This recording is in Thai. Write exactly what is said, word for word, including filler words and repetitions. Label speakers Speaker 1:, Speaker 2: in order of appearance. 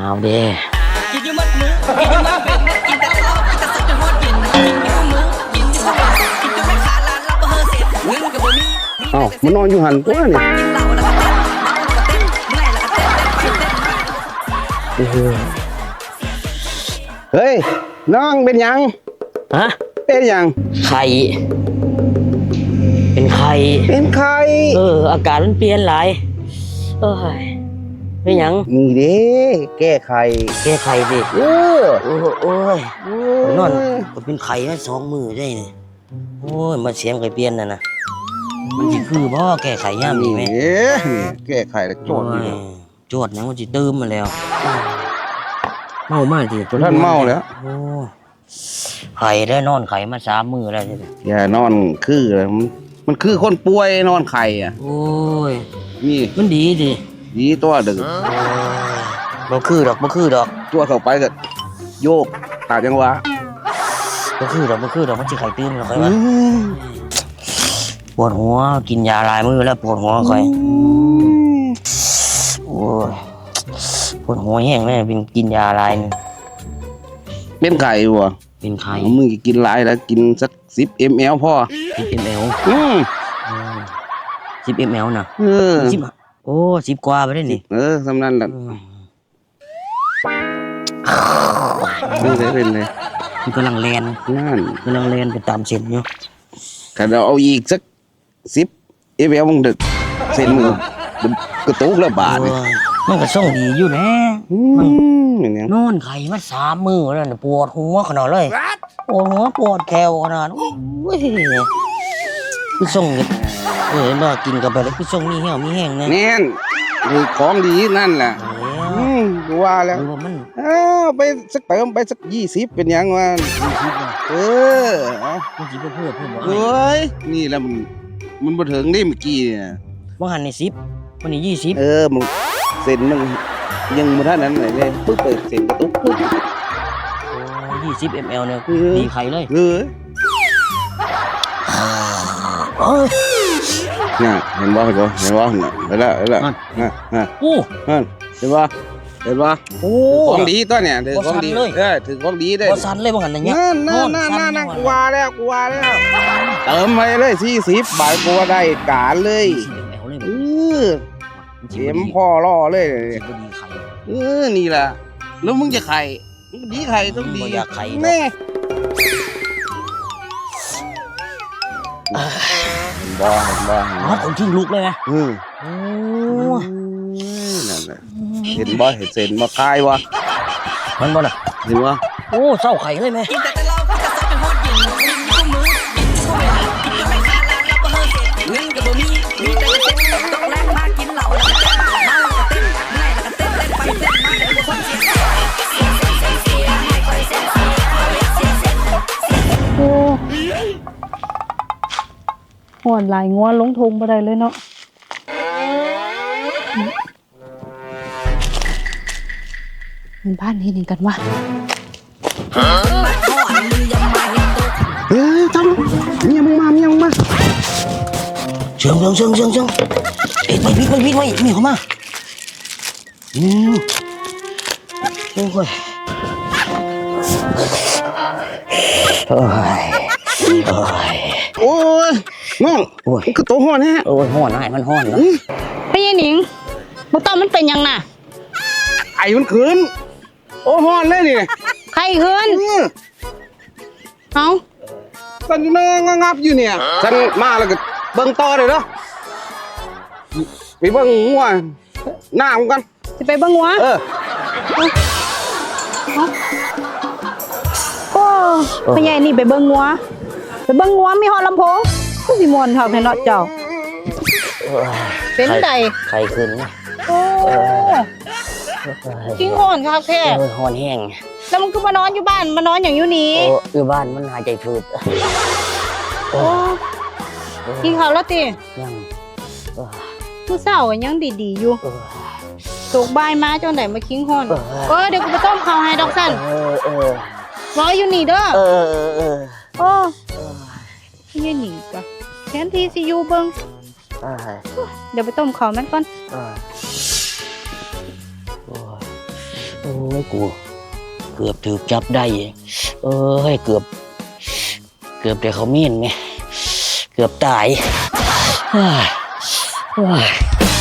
Speaker 1: เอาเด้กินอยู่มัดมือกินอยู่มัดเป็นกินแต่เหล้ากินแต่สักจนหมดกินกินอยู่มือกินอยู่ข้าวกินจนไม่ขาดลานรับบ่เฮอเสร็จเงินกับบ่มี
Speaker 2: อ้าวมันนอนอยู่หันตัวนี่
Speaker 1: กินเหล้าแล้วก็เต้นเมาแล้วก็เต้นเมื่อยแล้วก็เต้นเต้นไปเต้น
Speaker 2: เฮ้ยน้องเป็นยัง
Speaker 1: ฮะ
Speaker 2: เป็นยัง
Speaker 1: ไข่เป็นไข่
Speaker 2: เป็นไข่
Speaker 1: เอออาการมันเปลี่ยนหลายเอ้ยเป็นยัง
Speaker 2: นี่เด้แก้ไข
Speaker 1: แก้ไขดิ
Speaker 2: เออ
Speaker 1: โอ้โอ้ยนอนก็เป็นไข่แค่สองมือได้นี่โอ้ยมาเสียงไข่เปลี่ยนน่ะนะมันสิคือบ่แก้ไขย่ามนี่ไหม
Speaker 2: เอ๊ะแก้ไขแล้วโจทย์นี่
Speaker 1: โจทย์นะมันสิตื้มมาแล้วเมามากสิ
Speaker 2: ท่านเมาแล้ว
Speaker 1: โอ้ไข่ได้นอนไข่มาสามมือแล้วใช่ไหม
Speaker 2: อย่านอนคือเลยมันมันคือคนป่วยนอนไข่อ่ะ
Speaker 1: โอ้ย
Speaker 2: นี่
Speaker 1: มันดีดิ
Speaker 2: ดีตัวดึง
Speaker 1: บ่คือดอกบ่คือดอก
Speaker 2: ตัวเข้าไปก็โยกตาจังหวะ
Speaker 1: บ่คือดอกบ่คือดอกมันสิไข่ตื้มหรอกไข่วะปวดหัวกินยาลายมือแล้วปวดหัวไข่โอ้ยปวดหัวแห้งเลยเป็นกินยาลายนึง
Speaker 2: เป็นไข่วะ
Speaker 1: เป็นไข่
Speaker 2: มึงกินหลายแล้วกินสักสิบมลพอ
Speaker 1: สิบมล
Speaker 2: อืม
Speaker 1: สิบมลนะ
Speaker 2: เออ
Speaker 1: สิบโอ้สิบกว่าไปได้นี่
Speaker 2: เออสำนันแหละนี่ได้เป็นเลย
Speaker 1: มันกำลังแลน
Speaker 2: นั่น
Speaker 1: กำลังแลนไปตามเส้นอยู่
Speaker 2: ถ้าเราเอาอีกสักสิบเอฟเอลมึงดึกเส้นมือกระตุกแล้วบาด
Speaker 1: มันก็ส่งดีอยู่นะมันนอนไข่มาสามมือแล้วปวดหัวขนาดเลยปวดหัวปวดแขวขนาดโอ้ยคือส่งเออมากินกันไปแล้วคือส่งมีแห้วมีแห้งนะ
Speaker 2: แน่นคือของดีนั่นแหละอืมดูว่าแล้ว
Speaker 1: มัน
Speaker 2: เออไปสักเติมไปสักยี่สิบเป็นยังวะเออ
Speaker 1: มันจีบเพื่อเพื่อบอก
Speaker 2: เฮ้ยนี่แล้วมันมันมาถึงได้เมื่อกี้เนี่ย
Speaker 1: ว่าหันในสิบวันนี้ยี่สิบ
Speaker 2: เออมึงเซ็นมึงยังมาท่านั้นไหนเลยปึ๊บเปิดเซ็นกระตุกปึ๊บ
Speaker 1: ยี่สิบมลเนี่ยดีไข่เลย
Speaker 2: เออเนี่ยเห็นบ่เห็นบ่เห็นบ่เห็นแล้วเห็นแล้วน่ะน่ะ
Speaker 1: โอ้
Speaker 2: เห็นบ่เห็นบ่
Speaker 1: โอ้
Speaker 2: ของดีตัวเนี่ยถือของดีเออถือของดีได้
Speaker 1: บ่สั่นเลยบ่หันอย่างเงี้ย
Speaker 2: นั่นนั่นนั่นนั่นกลัวแล้วกลัวแล้วเติมไปเลยสี่สิบบาทกลัวได้การเลยเออเต็มพ่อล่อเลยเออนี่แหละแล้วมึงจะไข่ดีไข่ต้องดี
Speaker 1: อยากไข่
Speaker 2: แม่บ้าบ้า
Speaker 1: อ๋อคนทิ้งลูกเลยนะ
Speaker 2: อืมโอ้นั่นแหละเห็นบ่เห็นเซนมาคายวะ
Speaker 1: มันบ่น่ะ
Speaker 2: เห็นวะ
Speaker 1: โอ้เศร้าไข่เลยไหมกินแต่แต่เราก็จะซัดเป็นฮอดกินกินคู่มือกินคู่เวลากินจนไม่ขาดลานรับบ่เฮอเสร็จเงินกับบ่มีมีแต่จะเต้นต้องแรงมากกินเหล้าแล้วก็เต้นเมาแล้วก็เต้นเมื่อยแล้วก็เต้นเต้นไปเต้นมาเดี๋ยวบ่คนเสีย
Speaker 3: โอ้หอนหลายงัวลงทงบ่ได้เลยเนาะมันบ้านเฮ็ดหยังกันวะ
Speaker 2: เฮ้ยทำเมียมึงมาเมียมึงมา
Speaker 1: เชิงเชิงเชิงเชิงเชิงเอ็ดไปพิษไปพิษไปมีเข้ามาอืมโอ้ยโอ้ย
Speaker 2: โอ้ยน้อง
Speaker 1: โอ้ย
Speaker 2: คือตัวห่อนฮะ
Speaker 1: โอ้ยห่อนหายมันห่อนแล้ว
Speaker 3: พี่หนิงบ่ต้องมันเป็นยังน่ะ
Speaker 2: ไอ้มันขืนโอ้ห่อนเลยนี่
Speaker 3: ใครขืนเอ้า
Speaker 2: สันนงงับอยู่เนี่ยฉันมาแล้วก็เบิ่งต่อเลยเนาะไปเบิ่งงัวหน้ามันกัน
Speaker 3: จะไปเบิ่งงัว
Speaker 2: เออ
Speaker 3: โอ้พ่อใหญ่นี่ไปเบิ่งงัวไปเบิ่งงัวมีฮอดลำโพงก็สิม่วนคักแท้เนาะเจ้าเป็นได
Speaker 1: ไข่ขึ้นนะ
Speaker 3: โอ้จริงฮ้อนคักแท้
Speaker 1: เออฮ้อนแห้ง
Speaker 3: แล้วมันก็มานอนอยู่บ้านมานอนอย่างอยู่นี่
Speaker 1: โอ้อยู่บ้านมันหายใจฝืด
Speaker 3: โอ้กินข้าวแล้วติ
Speaker 1: ยัง
Speaker 3: มื้อเช้าก็ยังดีๆอยู่ตกบ่ายมาจังได๋มาคิงฮ้อนเออเดี๋ยวกูไปต้มข้าวให้ดอกสั่น
Speaker 1: เออเออ
Speaker 3: รออยู่นี่เด้อ
Speaker 1: เออเออเออ
Speaker 3: โอ้ยนี่ก็แทนที่สิอยู่เบิ่งเดี๋ยวไปต้มข้าวมันก่อน
Speaker 1: เออโอ้ยยกูเกือบถูกจับได้เอ้ยเกือบเกือบแต่เขามีนไงเกือบตายเฮ้ยเฮ้ย